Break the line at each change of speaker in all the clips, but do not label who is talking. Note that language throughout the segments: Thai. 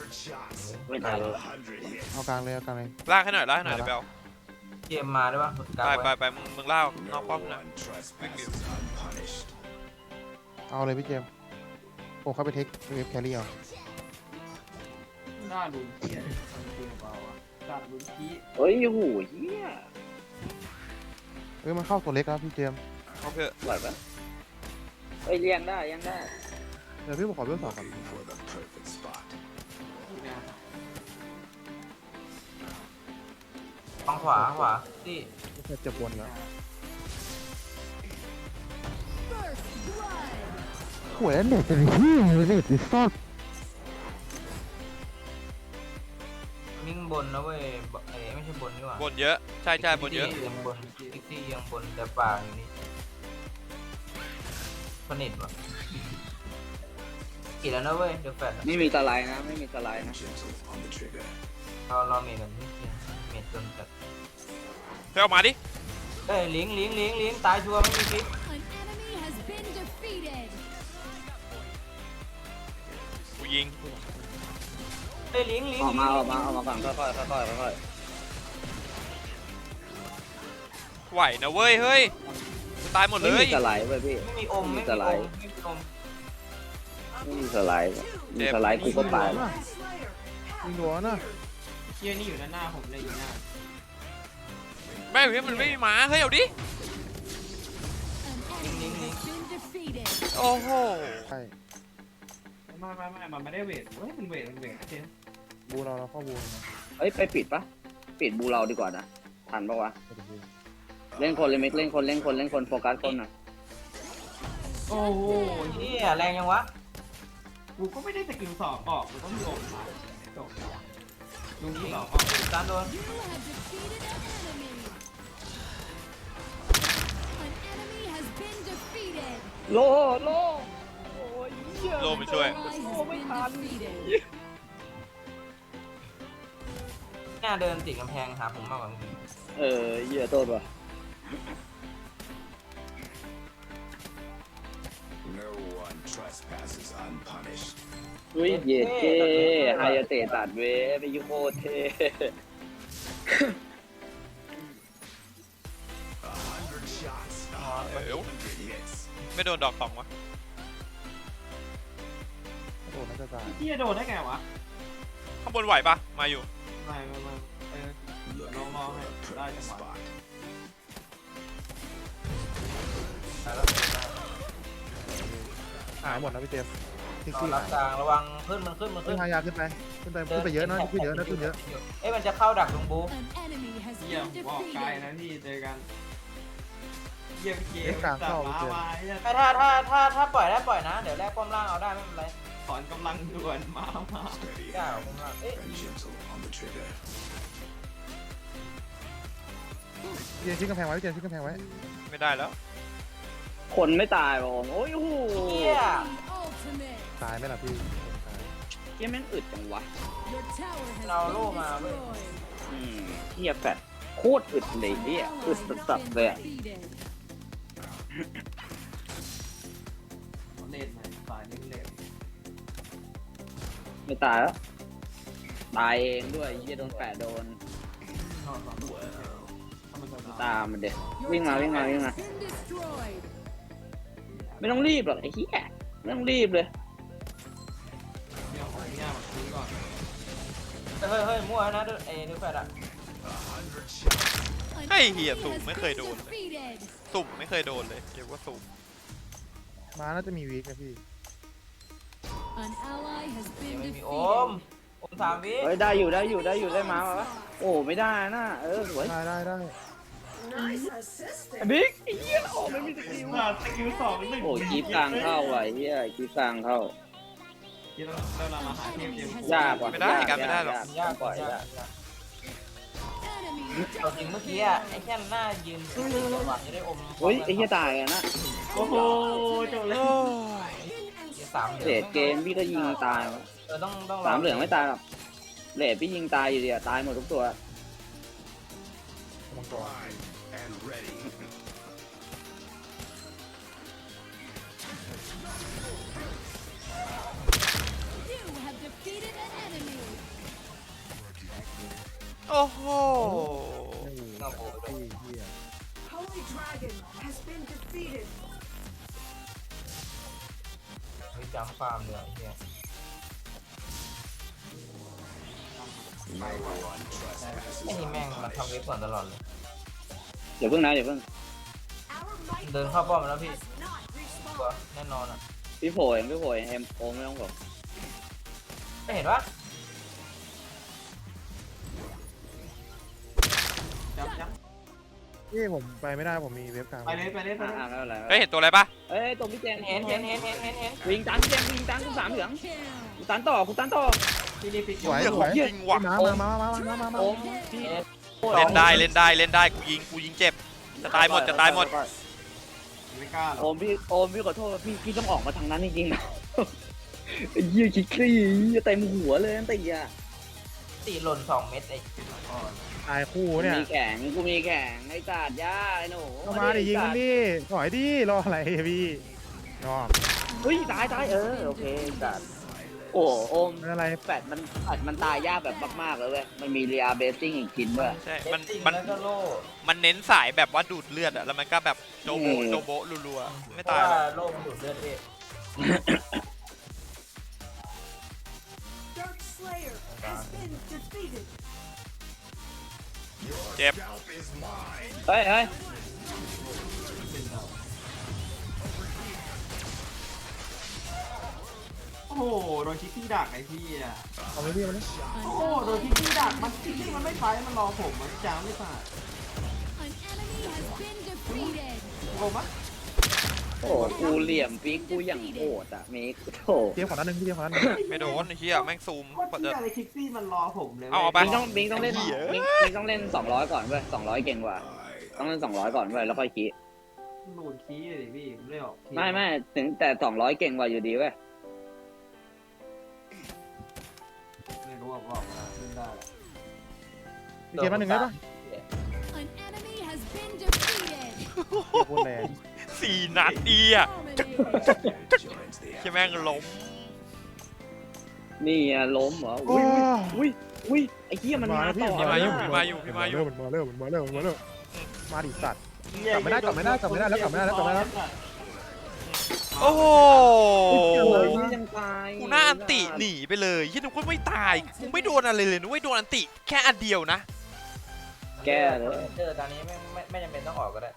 ไม่ตายเลย
เอากลางเลยเอากลางเลย
ลากให้หน่อยลากให้หน่อยเดี๋ยวไปเอา
เกมมาได้ปะ
ไปมึงลากนอกป้อมหน่อยวิ่งดิ
เอาเลยพี่เจมส์ผมเข้าไปเทคเวฟแครี่เอา
หน้าดูเที่ยมันจริงเปล่าวะจัดดูขี้
เฮ้ยโอ้โหเฮีย
มันเข้าตัวเล็กแล้วพี่เจมส์
โอเค
ไหวปะเฮ้ยเลี้ยงได้เลี้ยงได้
เดี๋ยวพี่ผมขอเวฟสองก่อน
ฝั่งขวาที่
เจ็บบวนแล้วหวยเน็ตเป็นที่เน็ตดิสซับ
วิ่งบนนะเว้ยไม่ใช่บนนี่หว่า
บนเยอะใช่บนเยอะ
ยังบนพิกซี่ยังบนแต่ป่าอยู่นี่สนิทว่ะกี่แล้วนะเว้ยเดี๋ยวแฟด
ไม่มีสไลด์นะไม่มีสไลด์นะ
เราเมทกันที่เมทจนจัด
ไปเอามาดิ
เอ้ยลิงตายชัวร์ไม่มีพิษ
กูยิง
เอ้ยลิง
ออกมาก่อนค่อย
ไหวนะเว้ยเฮ้ยกูตายหมดเล
ไม่
ย
มีสไลด์เว้ยพี่
ไม่มีอม
ไม่
ไม่
มี
มี
ส
อ
ไล
ม
ด์
ไม่มีอม
ไม่มีสไลด์มีสไลด์กูก็ตาย
ยิงหัวนะ
เที่ยนี่อยู่หน้าผมเลยอยู่หน้า
แม่งเฮ้ยมันไม่มีหมาเฮ้ยเอาดิโอ้โห
ใช่
ไม่มันไม่ได้เวทเฮ้ยมันเวทเช่น
บูเราเข้าบูนะ
เฮ้ยไปปิดปะปิดบูเราดีกว่านะทันปะวะเล่นคนเลยมิกเล่นคนโฟกัสคนหน่อย
โอ้โห
นี่แรงยังวะ
กูก็ไม่ได้สกิลสองออกมันต้องมีอมมาจบลุงที่สองออก
ตามโดน
โลโอ้ยเหี้ย
โลมาช่วย
ไม่ทัน
เนี่ยเดินติดกำแพงหาผมมากกว่ามึง
เหี้ยโทษว่ะอุ้ยเย็ดเก้ไฮยาเตะตัดเว้ไปยุโคตรเท่
เอวไม่โดนดอกสองวะ
โดนน่าจะตาย
เที่ยโดนได้ไงวะ
ข้างบนไหวปะมาอยู่
ไม่ลองให้ได้จังหวะ
หายหมดนะพี่เจมส์ทิ้ง
นอ
ที่
นรับกลางระวังขึ้นมันขึ้น
ขึ้นพายาขึ้นไปเยอะนะขึ้นเยอะ
เอ้ยมันจะเข้าดักลุงบู
เที่ยผมออกไกลนะพี่เจอกันเยี่ยมเกมมาเนี่ย
ถ้าปล่อยได้ปล่อยนะเดี๋ยวแรกป้อมล่างเอาได้ไม่เป็นไร
ถอนกำลังด่วนมา
ได้เอาป้อมล่างเอ้ย
เจมส์ทิ้งกำแพงไว้เจมส์ทิ้งกำแพงไว้
ไม่ได้แล้ว
คนไม่ตายบอมโอ้ยโอ้โห
เฮีย
ตายไหมล่ะพี่
เฮียแม่งอึดจังวะ
เราโล่มาเว้ย
เฮียแฟดโคตรอึดเลยเฮียอึดสัสๆเลยอะ
เล่นไหนสายเล่น
ไม่ตายแล้วตายเองด้วยเฮียโดนแปะโดน
นอนสองตัวถ้ามันโดน
ตามมันเด็วิ่งมาไม่ต้องรีบหรอกไอ้เฮียไม่ต้องรีบเลย
เดี๋ยวของเนี่ยมาซื้อก่อน
เฮ้ยมั่วนะดูดูแฟดอะ
ให้เหี้ยสุ่มไม่เคยโดนเลยสุ่มไม่เคยโดนเลยเรียกว่าสุ่ม
มาน่าจะมีวีคนะพี่
ไม่มีอม3 วิ
เฮ้ยได้อยู่ได้มาปะโอ้ไม่ได้นะสวย
ได้
บิ๊กไอ้เฮียโอ้ไม่มีสกิล
สกิลสองหนึ่ง
โอ้กีบกลางเข้าว่ะเฮียกีบกลางเข้า
ที่เรามาหาเทมเดียวย
ากว่ะ
ไม่ได้กันไม่ได้หรอก
ยาก
ปล่อย
ยาก
ยาก
เอาจริงเมื่อกี้อะไอ้แค่หน้ายืนจังหวะจะได้อม
เฮ้ยไอ้เฮียตายอะนะ
โอ้โหจบเลย
เศษเกมพี่ก็ยิงตายวะ
ต้อง
สามเหลืองไม่ตายหรอกเลดพี่ยิงตายอยู่ดีอะตายหมดทุกตัว
มังกร
เ
โอ้โห
เงาโบด้วย
เฮีย
Holy Dragon has been defeated.
มีจำฟาร์มเลยไอ้เฮีย ไอ้นี่แม่งมันทำเว็บก่อนตลอดเลย
เดี๋ยวเพิ่งนะเดี๋ยวเพิ่ง
Our might
เดินเข้าป้อมแล้วพี่
has not
ตัว
respawned.
แน่นอนอ่ะ
พี่โผล่เองพี่โผล่เองเอ็มโอไม่ต้องบอก
ไม่เห็นปะ
จับ
นี่ผมไปไม่ได้ผมมีเว็บกลาง
ไปเลยไปเลยไปเลย
ไม่เป็นไร
เฮ้ยเห็นตัวอะไรปะ
เอ้ยตรงพี่แจง
เห็น
วิ่งตันพี่แจงวิ่งตันกูสามเหลืองกูตันต่อกูตันต่อ
พี่นี่ฟิก
สวย
เหี้ย
ส
ข
ว
อง
ย
จริงว่ะ
มา
โอมพี่
เล่นได้เล่นได้เล่นได้กูยิงเจ็บจะตายหมดจะตายหมด
ไม่กล้าหร
โอ
อก
มพี่ขอโทษพี่ต้องออกมาทางนั้นจริงๆนะไอ้เหี้ยคิดคลี่เต็มหัวเลยนั่นตีอ่ะ
ตีหล่น2 เม็ดไอ้
ตายคู่เนี่ย
มีแข่งกูมีแข่งไอ้ตาดย่าไอ้หนู
ก็มาดิยิงมันดิถอยดิรออะไรพี่น้อง
เฮ้ยตายโอเคตาดโอ้โอม
เป็นอะไร
แฟดมันตายยากแบบมากๆเลยเว้ยมันมีเรียเบสซิ่งอีกชิ้นด้วย
ใช่
เม็
มัน
ดติ้ง
มัน
แล้วก็โล่
มันเน้นสายแบบว่าดูดเลือดอะแล้วมันก็แบบโดโบโดโบรัวๆไม่
เพราะ
ตายหร
ว่า
อก
โล่มันดูดเลือดพี่
Dark Slayer has been defeated.
เจ็บ
เฮ้ย
โอ้โหโดนชิคกี้ดักไอ้พี่อ่ะ
เอาไม่พี่มาดิ
โอ้โหโดนชิคกี้ดักมันชิคกี้มันไม่ไปมันรอผมมันจ้างไม่ผ่าน
An enemy has been defeated.
โกงปะ
โอ้กูเหลี่ยมฟิกกูอย่างโหดอ่ะเมกโถ
เทียบขอนั้นหนึ่งพี่เทียบขอนั้นหนึ่ง
ไม่โดนไอ้เฮียแม่งซูม
โคตร
กว่า
เที่
จะ
ยอะไรชิคกี้มันรอผมเลย
เอาไป
บิงต้องเล่นบิงต้องเล่น200ก่อนเว้ย200เก่งกว่าต้องเล่น200ก่อนเว้ยแล้วค่อยคิด
หลุดคีย์เลยพี่ผมเลยออกคีย์
ไม่ถึงแต่200เก่งกว่าอยู่ดีเว้ย
ไม่รู้ว่าบอกมาเล่นได้
พี่เทียบมาหนึ่งได้ปะ
An enemy has been defeated.
โคตรแรง
4 นัดดีอะ
Dominated.
ใช่แม่งล้ม
นี่อะล้มเหรอ
โอ้
อุ้ยไอ้เหี้ยมันมาต่อ
พี่มาอยู่
นะ
มาอยู่
มาเร็วมาดิสัตว์ กลับไม่ได้แล้ว
โอ้โห
โอ้ยยังตาย
กูหน้าอันติหนีไปเลยยี่นึกว่าไม่ตายกูไม่โดนอะไรเลยนึกว่าโดนอันติแค่อันเดียวนะ
แก้เลย
เจอตอนนี้ไม่จำเป็นต้องออกก็ได้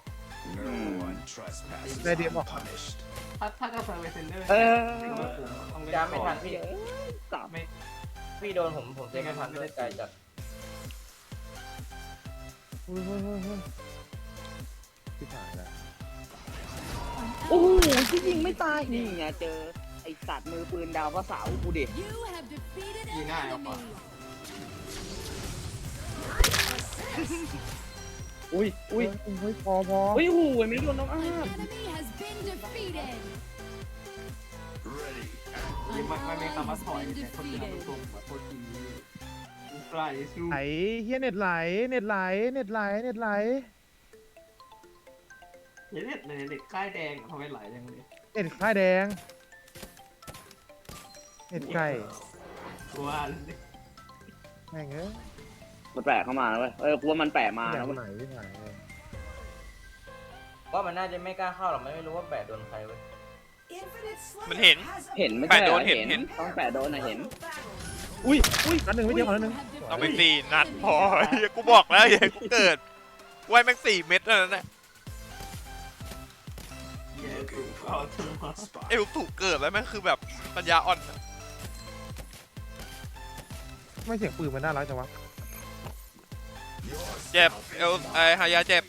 ได้เดียบบอก
ถ้าจะเซอร์เวเซนเดอร์
เออ
ต้องเล่น
จำไม่ทันพี่
กลับ
พี่โดนผมเซฟไม่ทันด้วยไกลจัด
ที่ผ่านแล้ว
โอ้โหที่ยิงไม่ตายนี่ไงเจอไอสัตว์มือปืนดาวพระเสากูดิ
You have defeated
ยิง
an
ง่ายเอาปะ
enemy.
อุ้ย
พอ
อุ้ยโอ้ยไม่โดนน้องอ้า
An enemy has been defeated.
ยิง
An
มันไม่
ally
คำว่า
has
ถอย
been
แต่คนเดียวมัน
defeated.
ตรงแบบโคตรทีไกลสู้
ไหลเฮียเน็ตไหล
เด็ดเลยเด็กค่ายแดงทำไมไหลยังเลย
เน็ตค่ายแดงเน็ตไก่
ตัวเลย
แม่งเอ้ย
มันแปลกเข้ามาแล้วเว้ยกูว่ามันแปลกมา
แบ
แล้ว
บ
เว้ย
ไหนที่ไหน
ว่ามันน่าจะไม่กล้าเข้าหรอกไม่รู้ว่าแปะโดนใครเว้ย
Infinite Slayer
มันเห็น
has
เห็นไม่
แปะ
ใช่
โด
เหรอน
เห็น
ต้องแปะโดนนะเห็น
battle.
อุ้ย
นัดหนึ่งไม่เทียบขอนั้นหนึ่ง
เอาไป4 นัดพอเหี้ยกูบอกแล้วอย่าให้กูเกิดไว้แม่ง4 เม็ดเท่านั้นแหละ
เย้ถูกเอาตัว
เอลถูกเกิดแล้วแม่งคือแบบปัญญาอ่อนอะ
ไม่เสียงปืนมันน่ารักจังวะ
เจ็บเอลฮายาเจ็บ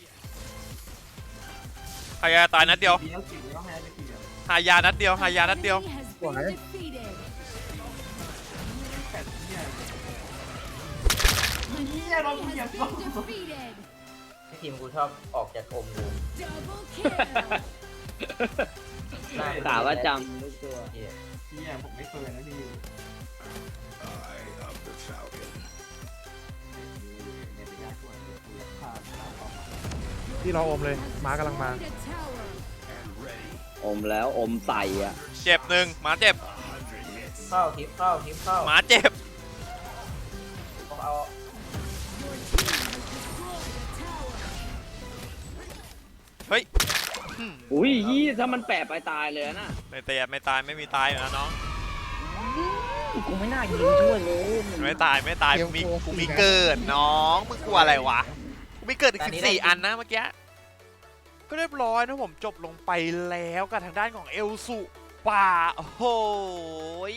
ฮายาตายนัดเดียว
เดียวกี่เดียวให้ได้กี่เดียว
ฮายานัดเดียว
An enemy has been defeated.
แปดเนี่ย
An
Yeah,
enemy
don't
has
be
been
a-
defeated.
ที่ทีมกูชอบออกจากอมดู
Double kill.
หน้า
กล่าวว่าจำทุกตัว
เหี้ย
เนี่ยผมไม่เคยนะพี่เนี่ยเป็นยากกว่าเนี่ยกูอยากฆ่าหน้าต่อมา
ที่เราอมเลยม้ากำลังมา
Destroyed a tower.
อมแล้วอมใส่อ่ะ
เจ็บหนึ่งหมาเจ็บ
เข้าทิปเข้า
หมาเจ็บ
ผมเอา
Your
อุ้ยยี่ถ้ามันแปะไปตายเลยนะ
ไม่ตายไม่ตายไม่มีตายอยู่นะน้อง
กูไม่น่ายิงช่วยเลย
ไม่ตายกูมีเกิดน้องมึงกลัวอะไรวะกูมีเกิดอีก14 อันนะเมื่อกี้ก็เรียบร้อยนะผมจบลงไปแล้วกับทางด้านของเอลสุป่าโอ้โหย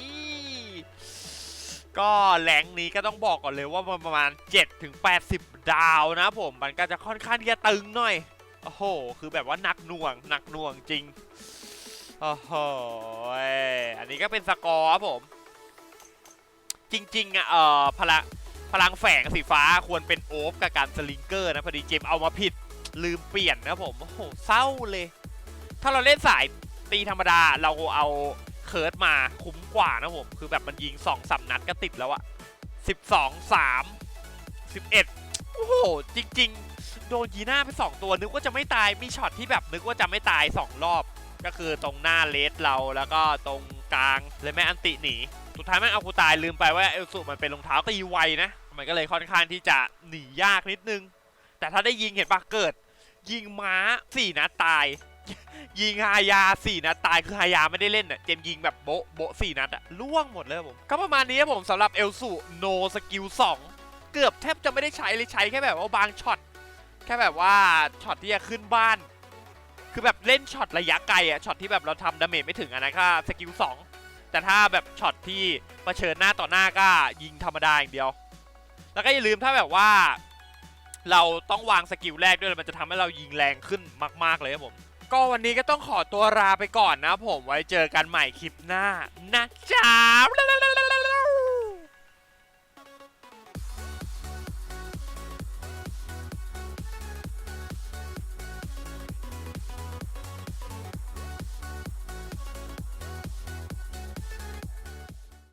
ก็แหลงนี้ก็ต้องบอกก่อนเลยว่าประมาณ7-80 ดาวนะผมมันก็จะค่อนข้างที่จะตึงหน่อยโอ้โหคือแบบว่าหนักหน่วงจริงโอ้โหอันนี้ก็เป็นสกอร์ครับผมจริงๆอ่ะพลังแฝงสีฟ้าควรเป็นโอฟกับการสลิงเกอร์นะพอดีเจมเอามาผิดลืมเปลี่ยนนะผมโอ้โหเศร้าเลยถ้าเราเล่นสายตีธรรมดาเราเอาเคิร์ดมาคุ้มกว่านะผมคือแบบมันยิง2-3 นัดก็ติดแล้วอะ12 3 11โอ้โหจริงๆโดนยีน่าไป2 ตัวนึกว่าจะไม่ตายมีช็อตที่แบบนึกว่าจะไม่ตาย2 รอบก็คือตรงหน้าเลสเราแล้วก็ตรงกลางเลยแม่อันติหนีสุดท้ายแม่งเอากูตายลืมไปว่าเอลสุมันเป็นรองเท้าตีไวนะมันก็เลยค่อนข้างที่จะหนียากนิดนึงแต่ถ้าได้ยิงเห็นปะเกิดยิงม้า4 นัดตายยิงฮายา4 นัดตายคือฮายาไม่ได้เล่นอ่ะเจมยิงแบบโบะ4 นัดอ่ะล่วงหมดเลยผมก็ประมาณนี้ครับผมสำหรับเอลสุโนสกิล2เกือบแทบจะไม่ได้ใช้เลยใช้แค่แบบว่าบางช็อตแค่แบบว่าช็อตที่จะขึ้นบ้านคือแบบเล่นช็อตระยะไกลอ่ะช็อตที่แบบเราทำดาเมจไม่ถึงอะนะค่ะสกิล2แต่ถ้าแบบช็อตที่เผชิญหน้าต่อหน้าก็ยิงธรรมดาอย่างเดียวแล้วก็อย่าลืมถ้าแบบว่าเราต้องวางสกิลแรกด้วยมันจะทำให้เรายิงแรงขึ้นมากๆเลยครับผมก็วันนี้ก็ต้องขอตัวลาไปก่อนนะผมไว้เจอกันใหม่คลิปหน้านะจ๊ะ